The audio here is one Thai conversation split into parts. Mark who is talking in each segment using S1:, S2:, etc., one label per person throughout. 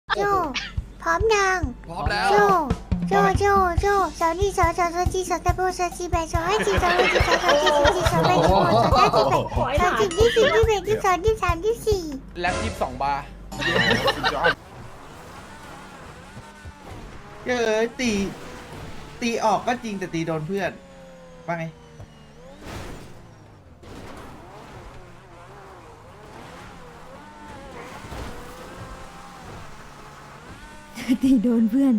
S1: โจพร้อมยัง
S2: พร้อมแล้ว
S1: โจสาวนี่สาวจีสาวตะโบสาวจีแบสาวให้จีสาวให้จีสาวจีสาวแบสาวสาวจีแบสาวจีที่สี่ที่แบที่สองที่สามที่สี่
S2: แล็บ22 บาร์
S3: ตีออกก็จริงแต่ตีโดนเพื่อนว่าไง
S1: ตีโดนเพื่อน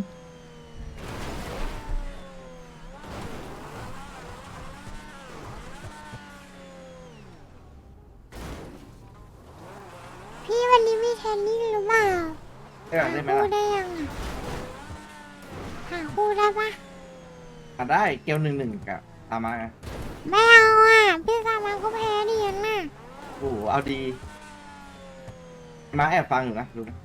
S1: พี่วันนี้มีเทนนิ่งหรือเปล่า
S3: ได้ไหม
S1: คู่
S3: ล่ะ
S1: ได้ยังหาคู่ได้ปะ
S3: ได้เกล1-1กับตามมาไง
S1: ไม่เอาอ่ะพี่สามาก็แพ้ดิยันน่ะ
S3: โอ้โหเอาดี มาแอบฟังอยู่นะรู้ไหม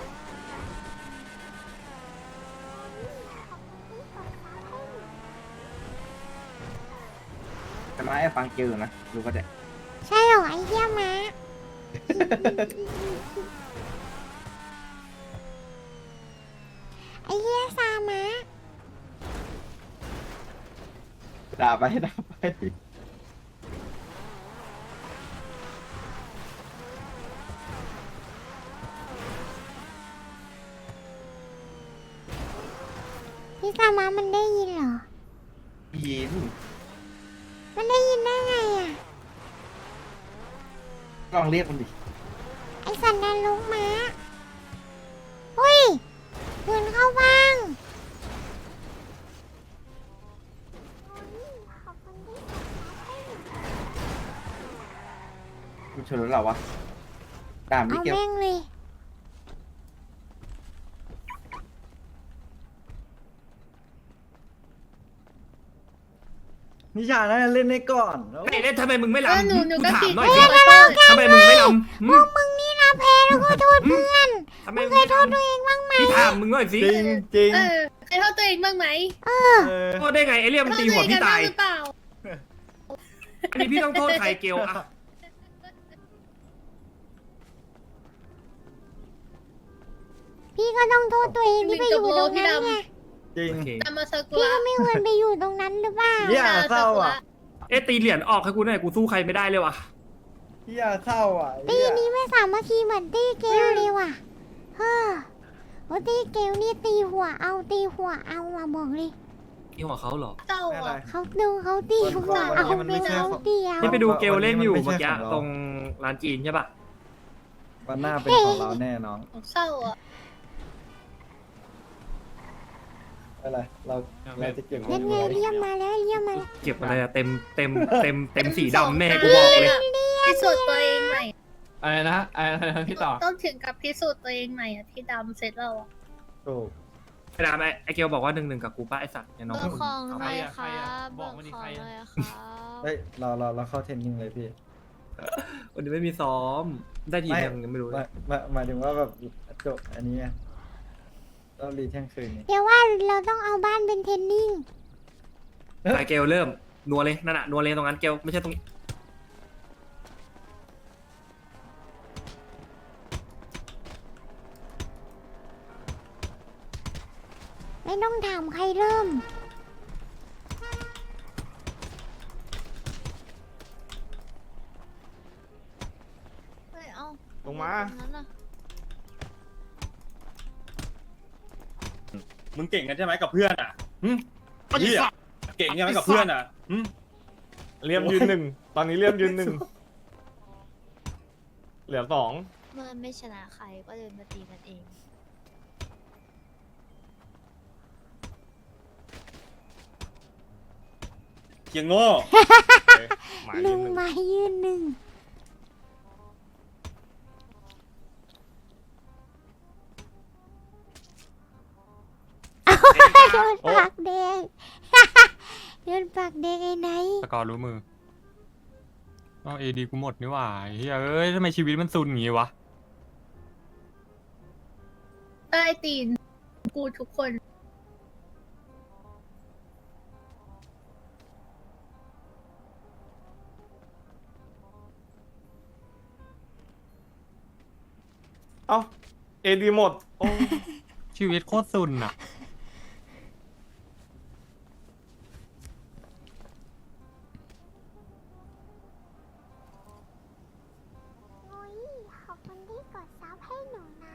S3: แต่มาแอบฟังเกลอยู่นะรู้ก็ได้
S1: ใช่เหรอไอ้เหี้ยม้าไอ้เหี้ยซามะ
S3: ด่าไปด่าไป
S1: พี่สามะมันได้ยินเหรอ
S3: ยิน
S1: มันได้ยินได้ไงอ่ะ
S3: ลองเรียกมันดิ
S1: ไอ้สันดานลูกม้าอุ้ยปืนเข้าบ้าง
S3: มันชนรถเราวะด่ามิ
S1: เอา
S3: เกล
S1: แม่งเลย
S4: นิชาน่าจะเล่นได้ก่อนแล้ว
S5: ไอ้เล่นทำไมมึงไม่
S6: เออ
S5: ลำ
S6: หนู
S5: กู
S6: ก็
S5: ถาม
S6: คิด
S5: หน่อย
S6: ว่า
S5: สิ
S6: จะเปิด
S5: ทำไมมึงไม่ลำ
S1: พวกมึงนี่นะแพ้แล้วก็โทษเพื่อน
S5: ทำไม
S1: มึง
S5: มึง
S1: เคยโทษตัวเองบ้างไหม
S5: พี่ถามมึงหน่อยสิ
S4: จริงจริง
S6: เออเคยโทษตัวเองบ้างไหม
S4: เออ
S5: โทษได้ไงไอ้เรียมันตีหัวพี่ตาย
S6: โทษตัวเองกันบ้งหรือเปล่า
S5: อันนี้พี่ต้องโทษใครเกลอะ
S1: พี่ก็ต้องโทษตัวเองที่ไปอยู่ตรงนั้นไง
S4: จริง
S5: โอเค
S6: ตามมาซากุ
S1: พี่
S6: ระ
S1: ก็ไม่ควรไปอยู่ตรงนั้นหรือเปล่า
S4: เนี่ยเศร้าอ่ะ
S5: เอ๊ะตีเหรียญออกให้กูหน่อยกูสู้ใครไม่ได้เลยว่ะ
S4: พี่ยาเศร้าอ่ะ
S1: ตีนี้ไม่สามัคคีเหมือนตีเกลเลยว่ะเฮ้อว่าตีเกลนี่ตีหัวเอาอะบอกเลย
S5: นี่หัวเขาเหรอ
S6: เศร้า
S4: ไม่อะไร
S6: อ่ะ
S1: เขาตีหัวเอา
S4: มัน
S1: เป็
S4: ไม่
S1: น
S4: ใช่
S1: เขาตีเอา
S5: นี่ไปดูเกลเล่นอยู่
S4: วันนี้มัน
S5: เมื่อกี้
S4: ไม่ใช่ของเรา
S5: ตรงร้านจีนใช่ป่ะ
S4: วันหน้าเป็นของเราแน่น้อง
S6: เศร้าอ่ะ
S4: อะไรเราจะเก็บ
S1: นั่นไงเรียมมาแล้ว
S5: เก็บอะไรอะเต็มสีดำแน่กูบอกเลย
S6: พิสูจน์ตัวเองใหม่
S7: อะไรนะอะไรนะพี่ต่อ
S6: ต้องถึงกับพิสูจน์ตัวเองใหม่อ่ะที่ดำเสร็จแล้วอ่ะ
S4: ถูก
S5: ไอ้ดำไอ้เกลบอกว่า1-1กับกูป้าไอ้สัตว์อย่าน้อง
S8: เบอร์ของ
S5: เอา
S8: ห
S5: ไป
S8: น่อย
S7: ใค
S8: ค
S7: ร
S8: รั
S7: อะ
S8: บ
S7: บอกมาดิ
S8: เบ
S7: ใคร
S8: ร์ข
S7: อะ
S8: องหน่อยครับ
S4: เฮ้ยเราเข้าเทรนนิ่งเลยพี่
S5: วันนี้ไม่มีซ้อมได้ทียังไม่รู้เลย
S4: หมายถึงว่าแบบจบอันนี้ไงเรารีเที่ยงคืนนี้
S1: เดี๋ยวว่าเราต้องเอาบ้านเป็นเทนนิ่ง
S5: ไอ้เกลเริ่มนัวเลยนั่นน่ะนัวเลยตรงนั้นเกลไม่ใช่ตรงนี้
S1: ไม่ต้องถามใครเริ่ม
S8: เฮ้ย เอา
S7: ลงมา
S8: ตรงนั้นน่ะ
S9: มึงเก่งกันใช่ไหมกับเพื่อนอ่ะเฮียเก่งใช่ไหมกับเพื่อนอ่ะ
S7: เลี่ยมยืนหนึ่งตอนนี้เลี่ยมยืนหนึ่งเหลือ2
S8: เมื่อไม่ชนะใครก็เดินมาตีกันเอง
S9: เกียงโง่
S7: หมาย
S1: ลุ
S7: ยืน
S1: ง
S7: หนึ่ง
S1: มายืนหนึ่งโดนปากแดง โดนปากแดงไอ้ไหน
S7: สกอร์รู้มืออ๋อเอดีกูหมดนี่หว่าเฮ้ยเอ้ยทำไมชีวิตมันซุนอย่างงี้วะ
S6: ใต้ตีนกูทุกคน
S3: เอ้า
S9: เอดีหมดโอ้
S7: ชีวิตโคตรซุนอ่ะ
S1: โอ้ยขอบคุณที่กดซับให้หนูนะ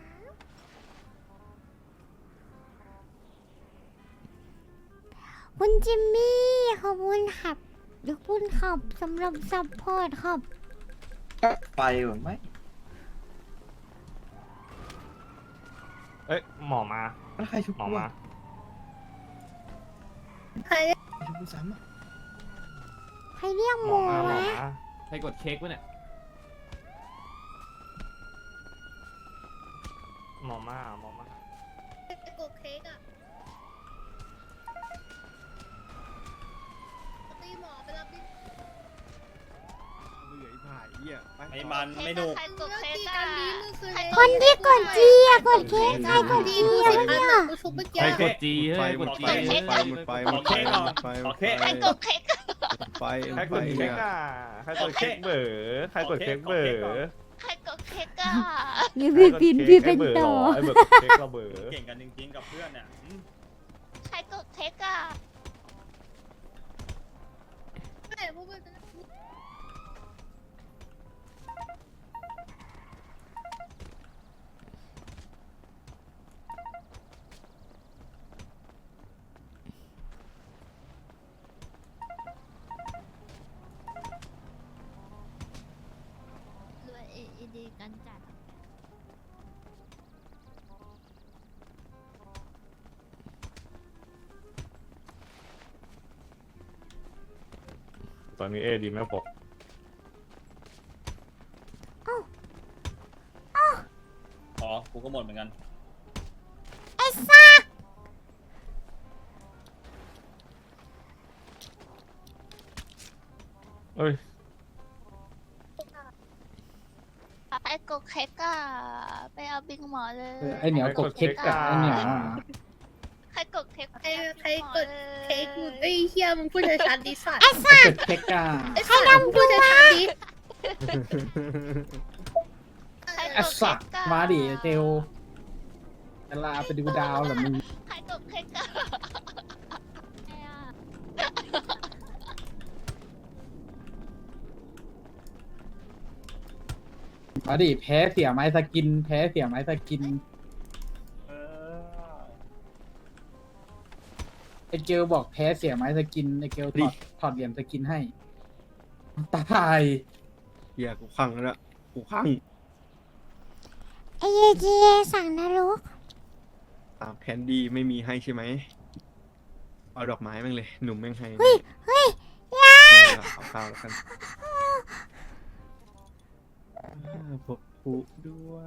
S1: คุณจิมมี่ขอบคุณครับขอบคุณครับสำหรับซัพพอร์ตครับ
S3: ไปเหรอไหม
S9: เอ้ยหมอมา
S3: แล้วใครชุบ
S9: หมอ
S3: กู
S9: มา
S3: อะ
S6: ใคร
S3: ใครชุบกูซ้ำอะ
S1: ใครเรียก
S9: ห
S1: ห
S9: ม
S1: มู
S9: อมาหมอ
S1: วะ
S9: มา
S5: ใครกดเค้กวะเนี่ย
S9: หมอมาหมอมา
S6: ไปกดเค้กอ่ะตีหมอไปรับดิ
S9: ไอ้มันไม่หนุก
S8: ใครกดเค้ก
S6: ตี
S8: อ่ะ
S6: กันนี้มือคืน
S1: คนที่กดจีอะกดเค้กใครกด
S6: ดี
S1: จี
S6: กู
S1: อะ
S6: สิอัน
S1: เนี่ย
S6: น่ะกูชุบเมื่อกี้
S5: ใครกดจีเฮ้ยกดจี
S9: หมดไฟหมดไฟหมดไฟหมดไฟ
S8: ใครกดเค้ก
S9: ใครกดเค้กอ่ะใครกดเค้กเบอร์ใครกดเค้กเบอร์
S8: ใครกดเค้กอ่ะ
S1: นี่พี่ปินพี่เป็นต่อ
S9: ไอ้เบอร์เค้กเราเบอร์เก่งกันจริงๆกับเพื่อนเนี่ย
S8: ใครกดเค้กอ่ะ
S6: ไม่พวกมึงจะ
S8: รวยเอดีกันจัด
S9: ตอนนี้เอดีไม่พกอ๋อกูก็หมดเหมือนกัน
S1: ไอ้สัก
S9: เอ้ย
S8: ใครกดเค้กอ่ะไปเอาบิ๊กหมอเลย
S4: ไอเหนียวกดเค้กกับไอเหนียวอะ
S8: ใครกดเค้ก
S6: ใครกดเค้กกูไอ้เฮียมึงพูดชัดๆดิสัตว์
S1: ไอ้สัก
S4: กดเค้กกับ
S6: ไอ้สัตว์มึงพูดชัดๆดิ
S8: ใคร
S4: ไอก
S8: ด
S4: สั
S8: เค้
S4: ก
S8: กอ่ะ
S4: มาดิเจลจะลาไปดูดาวเหรอมึง
S8: ใครกดเค้กอ่ะใครอ่ะ
S4: มาดิแพ้เสียไม้สกิน แพ้เสียไม้สกินไอเกลบอกแพ้เสียไม้สกินไอเกลถอดเหรียญสกินให้ตาย
S2: เหี้ยกูขังแล้วกูขัง
S1: ไอ้เยเจสั่งนรก
S2: ตามแคนดี้ไม่มีให้ใช่ไหมเอาดอกไม้แม่งเลย หนุ่มแม่งให้
S1: เฮ้ยยา
S2: เอาข้าวแล้วกันพบผู้ด้วย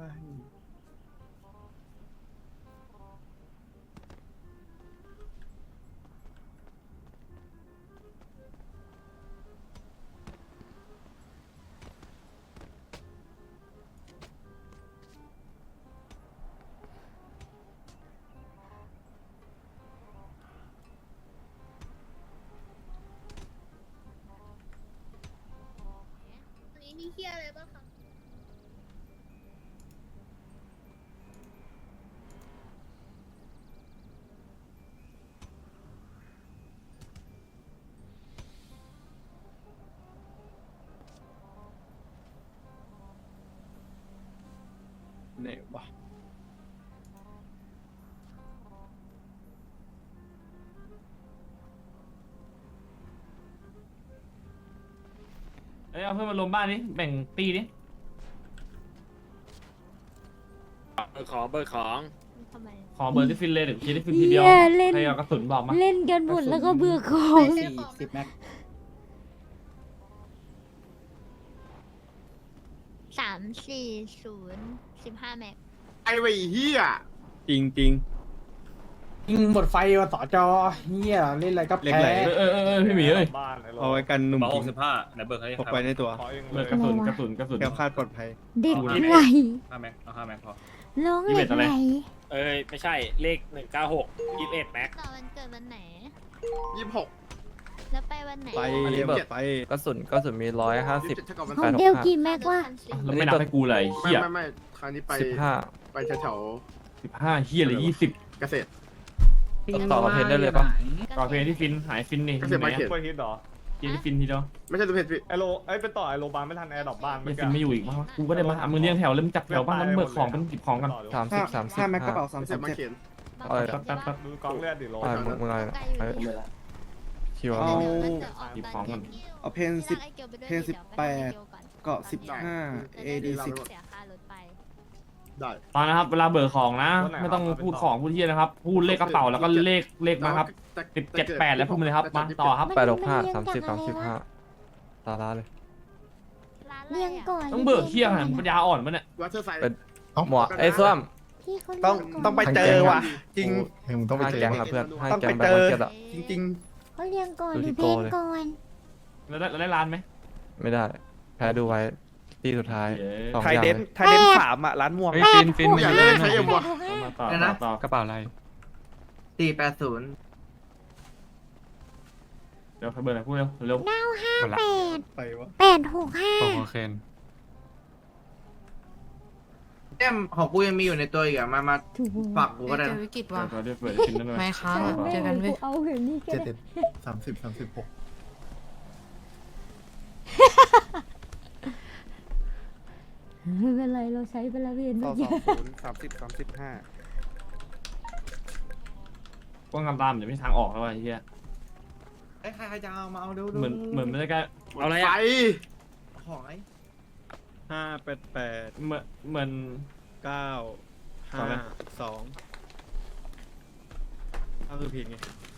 S6: อันนี้มีเฮียอะไรบ้างคะ
S2: ไหนวะ
S5: เอ้ยเอาเพื่อนมาลมบ้านนี้แบ่งตีดิ
S9: ของเบอร์ของ
S8: ทำไม
S5: ขอเบอร์ที่ฟินเลยเดี๋ยวคิดที่ฟินทีเดียว
S1: เหี้ยเล่น
S5: ใครเอากระสุนบอกมา
S1: เล่นกันหมดแล้วก็เบื่อของ
S4: 40 แม็ก
S8: 340 15 แม็ก
S2: ไอ้ไว้เฮียจริงจริง
S4: ยิงหมดไฟว่ะสอจอเฮียเล่นอะไรก็
S2: เล็ก
S4: แพ้
S2: ไหล
S5: พี่หมีเอ้ย
S9: บ้าน
S2: ๆเอาไว้กันหนุ่มจริง
S9: ไหนเบอร์ใคร
S2: พกไปในตัว
S9: ขอเอง
S5: เบอร์
S9: เลย
S5: กระสุนกระสุนกระสุน
S2: แคล้วคลาดปลอดภัย
S1: เด็กไหล
S9: 5 แม็กเอา5 แม็กพอ
S1: ร้องเหล็กไหล
S9: เอ้ยไม่ใช่เลข196 21แม็ก
S8: ต่อวันเกิดวันไหน
S2: 26
S8: แล้วไปวันไหน
S2: ไป
S10: อันนี้แบบ
S2: ไป
S10: กระสุนมี150
S1: ของเดลกี่แม็กวะ
S9: แล้วไม่นับให้กูเลยเฮีย
S11: ไม่คราวนี้ไป
S10: 15
S11: ไปแถว
S9: 15เฮียเลย20
S11: เกษตร
S10: ต่อกับเพนได้เลยปะ
S9: ต่อเพลงที่ฟินหายฟินนี่
S11: เกษตรมาร์เก็ต
S9: ไปฮิตหรอกินที่ฟินทีเดียว
S11: ไม่ใช่ตัวเพชรพี่
S9: ไอโลไปต่อไอโลบานไม่ทันแอร์ดรอปบ้านยังฟินไม่อยู่อีกมั้งกูก็ได้มามึงเลี้ยงแถวเริ่มจับแถวบ้างแล้วเบิกของเป็นหยิบของกัน
S10: 30
S3: แม็กกระเป๋า
S11: เกษตรมาร์เก็ต
S10: เออ
S9: แป๊บดูกองเลือดดิโล
S10: มึงอะไรคิว
S9: หยิบของกัน
S3: เอาเพน18เกาะ15 AD
S11: ได้
S9: ตอนนะครับเวลาเบิกของนะ ไม่ต้องพูดของพูดเฮียนะครับ พูดเลขกระเป๋าแล้วก็เลขมาครับ17 8แล้วพูดมาเลยครับมาต่อครับ
S10: 865 30 35ตาลาเลย
S1: เรียงก่อน
S9: ต้องเบิกเฮียหันปัญญาอ่อนมันเนี่ย
S11: วัตเตอร์ไซด์
S10: หมวกไอ้ส้ม
S1: ที่เขา
S2: ต้องไปเจอว่ะ จริง
S10: ห้าแก๊งอะเพื่อนห้า
S2: ต้อง
S10: แก๊
S2: ไป
S10: งแบ
S2: เจ
S10: บ
S2: อ
S10: มาเก็ตอะ
S2: จริง
S1: เขาเรียงก่อน
S10: ดู
S1: ห
S10: ที่
S1: รือเพลง
S10: โกเลย
S1: ก่อน
S9: แล้วได้ร้านไหม
S10: ไม่ได้ แพ้ดูไว้ที่สุดท้ายสอง
S2: ๆ ไทย
S10: อย่าง
S2: เดน
S10: เลย
S2: ไทยเดน3อ่ะ ร้านม่วง
S7: เฮ้ยฟินฟิน
S11: อยากเล่นใช้เอ็มวะ
S9: มาต่อ
S3: นะ
S9: ต่อก
S7: ระเป๋าอะไร
S3: 480
S9: เดี๋ยวเบิร์นพูดเร็วเร็ว
S1: 958
S7: หมดละ
S2: ไปวะ
S7: ของโอเคน
S3: แต้มของกูยังมีอยู่ในตัวอีกอ่ะมาฝากกูก็ได้นะ
S6: วิกฤต
S9: เดี๋
S6: ว่ะ
S9: ยวเดี๋ยวเปิดกินนั่นเลย
S6: ไม่ค้างเจอกันเว้ย
S1: เอาแบบนี้ก็ได้
S11: 30 36
S1: ไม่เป็นไรเราใช้ไปแล้วเวียน
S2: ต่
S1: เมื่
S2: อ
S1: อกี้
S2: 20 30 35
S9: กว้างกำตามเดี๋ยวไม่ทางออกแล้วไอ้เหี้ย
S3: ใครจะเอามาเอาดู
S9: เหมือนไม่ได้ใกล้เอาอะไร
S11: ไฟ
S9: อ่ะ
S3: ของไอ้
S2: 588
S9: เหมือน
S2: 9
S9: ต่อเลย
S2: 5 2ก็คือผิดไง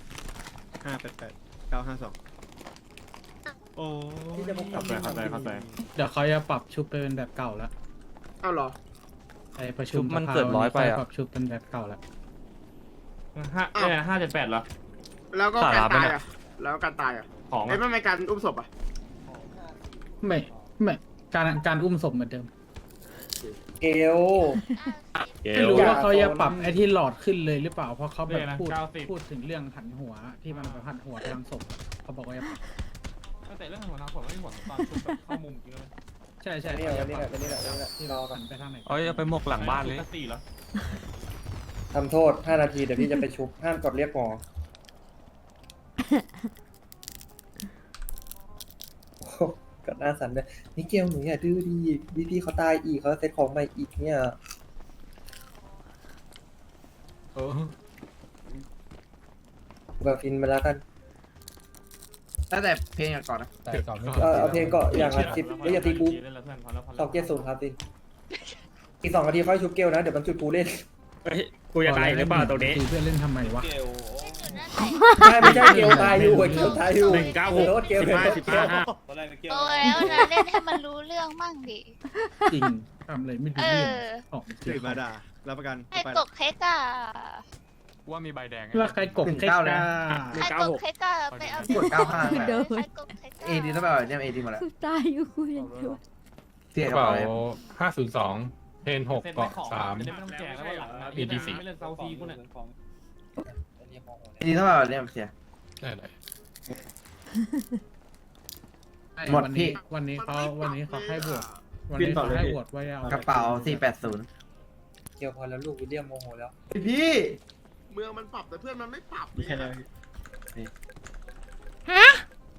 S2: 588 9 5 2โอ้ย
S9: เข้าใจ
S4: เดี๋ยวเขาจะปรับชุบไปเป็นแบบเก่าแล้ว
S11: เอ้าเหรอ
S4: ไอ้ประชุ
S10: ชุ
S4: ม
S10: บมันเกิด100ไปอะ
S4: ปรับชุบเป็นแบบเก่าแล้ว
S9: 578เหรอ
S11: แล้วก็การตายอ่ะแล้วการตายอ่ะ
S9: ของ
S11: เอ้ยไม่การอุ้มศพอ่ะ
S4: ไม่การอุ้มศพเหมือนเดิม
S3: เอล
S4: ไม่รู้ว่าเขาจะปรับไอ้ที่หลอดขึ้นเลยหรือเปล่าเพราะเขาแบบ
S9: นะ
S4: พูดถึงเรื่องหันหัวที่มันแบบหันหัวทางศพเขาบอกว่าจะปรับ
S9: แต่เรื่องหัวน้ำผมไม่ห่วงตอนชุบแบบเข้ามุมจริงเลย
S4: ใช่เขาจะปรับที่รอกันไปทางไหน
S7: เอ้ยเอาไปหมกหลังบ้านเลย
S9: 4เหรอ
S3: ทำโทษ5 นาทีเดี๋ยวพี่จะไปชุบห้ามกดเรียกหมอกัดหน้าสันเลยนี่เกลหนูอย่าดื้อดีพี่เขาตายอีกเขาเซ็ตของใหม่อีกเนี่ย แบบฟินมาแล้วกันแล้วแต่เพลงก่อนนะเอาเพลงก่อนอย่างละ10แล้วอย่าตีกู270ครับฟินอีก2 นาทีค่อยชุบเกลนะเดี๋ยวมันจุดกูเล่น
S5: กูจะตายหรือเปล่าตรงนี้
S4: ตีเพื่อนเล่นทำไมวะ
S3: ไม่ใช่เกลตายอยู่เกลตายอยู่
S5: 196
S3: โน้ตเกล
S5: 15
S9: ตอนแรกเกล
S8: โตแล้วนะเล่นให้มันรู้เรื่องมั่งดิ
S4: จริงทำอะไรไม่ดู
S8: เอ
S4: เรื่อง
S8: อ
S4: ออก
S2: ตื่นมาด่ารับประกัน
S8: ให้
S2: ไป
S8: กกเค้กอ่ะ
S7: ว่ามีใบแดงไง
S4: แล้วใครกบเค้ก
S3: 19
S4: กา
S8: ให้กกเค้กอ่ะไปเอา
S3: กด95
S8: ให้กกเค้ก
S3: เอดีต้องไปเอาเนี่ยเอดีมาแล้ว
S1: ตายอยู่คุยกันอยู่
S3: เสีย
S7: ก
S3: ก
S7: ระ
S3: ระ
S7: เป๋า
S3: เป๋า
S7: 502เพน6เกาะ3
S9: ไม่ต้องแจกแล้วหลัง
S7: EDC
S9: ไม่เล่นเซาซีกูเนี่ย
S3: เอดีต้องไปเอาเนี่ยเสีย
S7: ได้เลย
S3: หมดพี่
S4: วันนี้เขาให้บวกวันนี้เขาให้บวกไว้เอา
S3: กระเป๋า480เกี่ยวพอแล้วลูกวิลเลียมโมโหแล้วพี่
S11: เมืองมันปรับแต่เพื่อนมันไม่ปรับ
S2: แค่นั้น
S1: ฮะ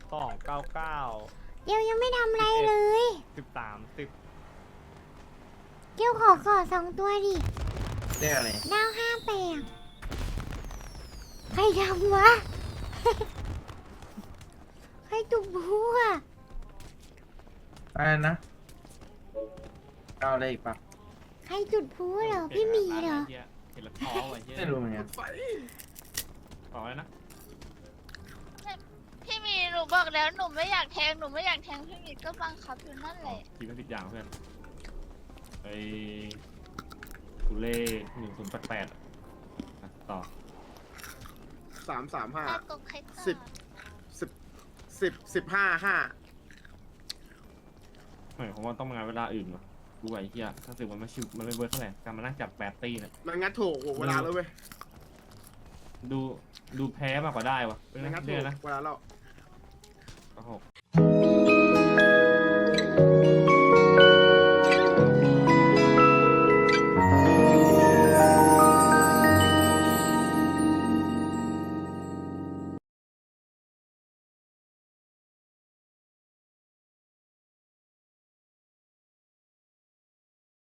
S9: 299
S1: เกลยังไม่ทำอะไรเลย
S9: 13 10
S1: เกลขอ2 ตัวดิ
S3: เรียกอะไร
S1: 958ใครทำวะ ใครตุกบัว
S3: อะไรนะเอาอะไรอีกปะ
S1: ใครจุดพลุเหรอ พี่หมีเหรอ
S9: เห็นแล้วท้อว่ะเหี้ย
S3: ไม่รู้เหมือนกัน
S11: ไฟ
S9: บอกเลยนะ
S8: พี่มีหนูบอกแล้วหนูไม่อยากแทงพี่มีก็บังคับอยู่นั่นแหละ
S9: ทีก็ติดอย่างเพื่อนไอ้กูเล่1088ต่อ
S11: 335
S8: ให้กกเค้กอ่ะ
S11: 15
S9: หมายความว่าต้องมางานเวลาอื่นวะกูไอ้เหี้ยถ้าสึกมันไม่ชิวมันไม่เวิร์คเท่าไหร่การมานั่งจับ8 ตีเนี่ย
S11: มันงัดถูกเวลาแล้วเว้ย
S9: ดูแพ้มากกว่าได้วะเป็น
S11: มันงัด
S9: นะ
S11: ถู
S9: เดือก นนะ
S11: เวลาเรา
S9: 96